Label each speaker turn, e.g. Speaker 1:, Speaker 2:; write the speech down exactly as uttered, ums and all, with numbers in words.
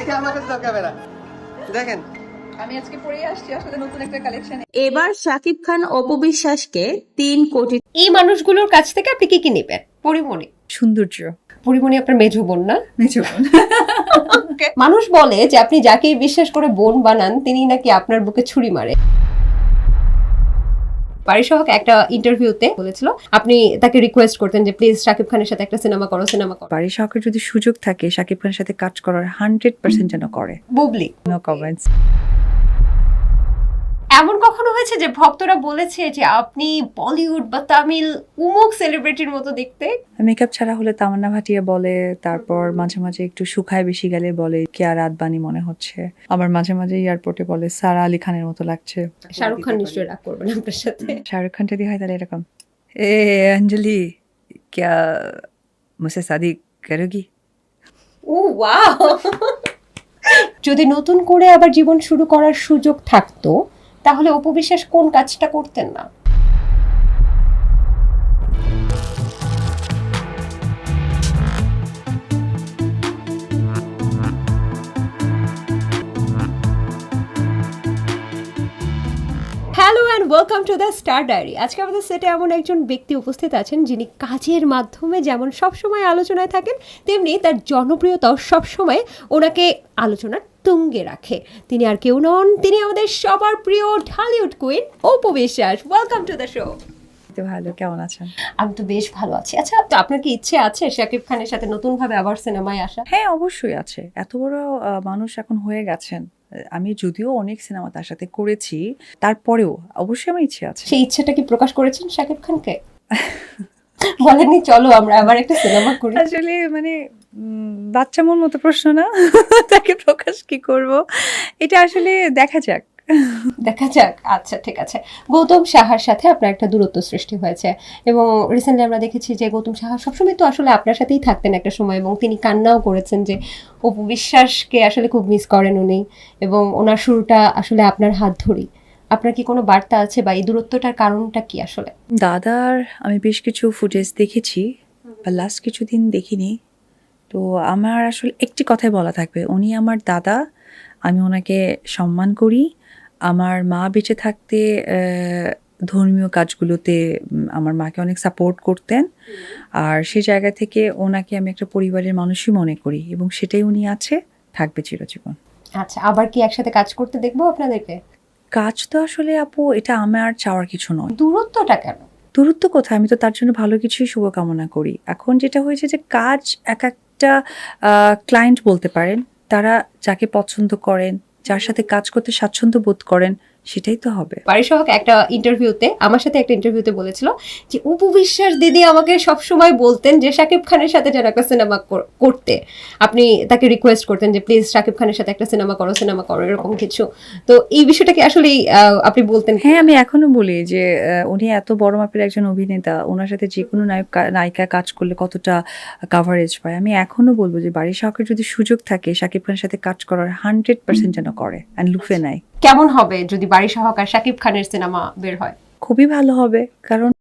Speaker 1: দেখে আমার কাছে দরকার বেড়া দেখেন
Speaker 2: আমি আজকে পরে আসছি আসলে নতুন একটা কালেকশন।
Speaker 3: এবার শাকিব খান অপু বিশ্বাসকে তিন কোটি
Speaker 4: এই মানুষগুলোর কাছ থেকে আপনি কি কি নেবেন? পরিমণি
Speaker 2: সৌন্দর্য,
Speaker 4: পরিমণি আপনার মেজো বোন না?
Speaker 2: মেজো বোন।
Speaker 4: মানুষ বলে যে আপনি যাকে বিশ্বাস করে বোন বানান তিনি নাকি আপনার বুকে ছুরি মারে। পারিসহক একটা ইন্টারভিউতে বলেছিল আপনি তাকে রিকোয়েস্ট করতেন যে প্লিজ শাকিব খানের সাথে একটা সিনেমা করো সিনেমা করো
Speaker 2: পারিসহকের যদি সুযোগ থাকে শাকিব খানের সাথে কাজ করার হান্ড্রেড পার্সেন্ট যেন করে।
Speaker 4: Bubly
Speaker 2: no comments.
Speaker 4: এমন কখনো হয়েছে যে ভক্তরা বলেছে যে আপনি বলিউড বা তামিল উমুক সেলিব্রিটির মতো দেখতে?
Speaker 2: মেকআপ ছাড়া হলে তামান্না ভাটিয়া বলে, তারপর মাঝে মাঝে একটু শুকায় বেশি গেলে বলে কেয়া রাতবানি মনে হচ্ছে, আবার মাঝে মাঝে এয়ারপোর্টে বলে সারা আলী খানের মতো লাগছে।
Speaker 4: শাহরুখ খান নিশ্চয়ই রাগ করবেন আপনার সাথে।
Speaker 2: শাহরুখ খান যদি হয় তাহলে এরকম, এ অঞ্জলি क्या मुझसे शादी करोगी?
Speaker 4: Oh wow. যদি নতুন করে আবার জীবন শুরু করার সুযোগ থাকতো তাহলে অপু বিশ্বাস কোন কাজটা করতেন না? Hello and welcome to the Star Diary. আজকে আমাদের সেটে এমন একজন ব্যক্তি উপস্থিত আছেন যিনি কাজের মাধ্যমে যেমন সবসময় আলোচনায় থাকেন তেমনি তার জনপ্রিয়তাও সবসময় ওনাকে আলোচনার তুঙ্গে রাখে। তিনি আর কেউ নন, তিনি আমাদের সবার প্রিয় Dhallywood queen Apu Biswas. Welcome to the show.
Speaker 2: ভালো, কেমন আছেন?
Speaker 4: আমি তো বেশ ভালো আছি। আচ্ছা, তো আপনার কি ইচ্ছে আছে শাকিব খানের সাথে নতুন ভাবে আবার সিনেমায় আসা?
Speaker 2: হ্যাঁ অবশ্যই আছে, এত বড় আহ, মানুষ এখন হয়ে গেছেন। আমি যদিও অনেক সিনেমা তার সাথে করেছি, তারপরেও অবশ্যই আমার ইচ্ছে আছে।
Speaker 4: সেই ইচ্ছাটা কি প্রকাশ করেছেন শাকিব খানকে? বলেননি চলো আমরা আবার একটা সিনেমা করি?
Speaker 2: আসলে মানে উম, বাচ্চা মন মতো প্রশ্ন না, তাকে প্রকাশ কি করব, এটা আসলে দেখা যাক।
Speaker 4: দেখা যাক। আচ্ছা ঠিক আছে। গৌতম সাহার সাথে আপনার একটা দূরত্ব সৃষ্টি হয়েছে এবং রিসেন্টলি আমরা দেখেছি যে গৌতম সাহা সবসময় তো আসলে আপনার সাথেই থাকতেন একটা সময় এবং তিনি কান্নাও করেছেন যে অপু বিশ্বাসকে আসলে খুব মিস করেন উনি এবং ওনার শুরুটা আসলে আপনার হাত ধরি। আপনার কি কোনো বার্তা আছে বা এই দূরত্বটার কারণটা কি আসলে?
Speaker 2: দাদার আমি বেশ কিছু ফুটেজ দেখেছি, বা লাস্ট কিছুদিন দেখিনি। তো আমার আসলে একটি কথাই বলা থাকবে, উনি আমার দাদা, আমি ওনাকে সম্মান করি। আমার মা বেঁচে থাকতে আহ, ধর্মীয় কাজগুলোতে উম, আমার মাকে অনেক সাপোর্ট করতেন, আর সে জায়গা থেকে ওনাকে আমি একটা পরিবারের মানুষই মনে করি এবং সেটাই উনি আছে, থাকবে চিরজীবন।
Speaker 4: আচ্ছা, আবার কি একসাথে কাজ করতে দেখবো আপনাদেরকে?
Speaker 2: কাজ তো আসলে আপু এটা আমার চাওয়ার কিছু নয়।
Speaker 4: দূরত্বটা কেন?
Speaker 2: দূরত্ব কোথায়, আমি তো তার জন্য ভালো কিছুই শুভকামনা করি। এখন যেটা হয়েছে যে কাজ এক একটা ক্লায়েন্ট বলতে পারেন, তারা যাকে পছন্দ করেন, যার সাথে কাজ করতে স্বাচ্ছন্দ্য বোধ করেন, সেটাই তো হবে।
Speaker 4: পারিসহক একটা ইন্টারভিউতে আমার সাথে একটা ইন্টারভিউতে বলেছিল যে অপু বিশ্বাস দিদি আমাকে সব সময় বলতেন যে শাকিব খানের সাথে যেন একটা সিনেমা করতে, আপনি তাকে রিকোয়েস্ট করতেন যে প্লিজ শাকিব খানের সাথে একটা সিনেমা করো সিনেমা করো এরকম কিছু। তো এই বিষয়টা কি আসলে আপনি বলতেন?
Speaker 2: হ্যাঁ আমি এখনো বলি যে আহ, উনি এত বড় মাপের একজন অভিনেতা, ওনার সাথে যে কোনো নায়ক নায়িকা কাজ করলে কতটা কাভারেজ পায়। আমি এখনো বলবো যে বাড়ির শখের যদি সুযোগ থাকে শাকিব খানের সাথে কাজ করার হান্ড্রেড পার্সেন্ট যেন করে, অ্যান্ড লুফে নেয়।
Speaker 4: কেমন হবে যদি বারিসহক আর শাকিব খানের সিনেমা বের হয়?
Speaker 2: খুবই ভালো হবে, কারণ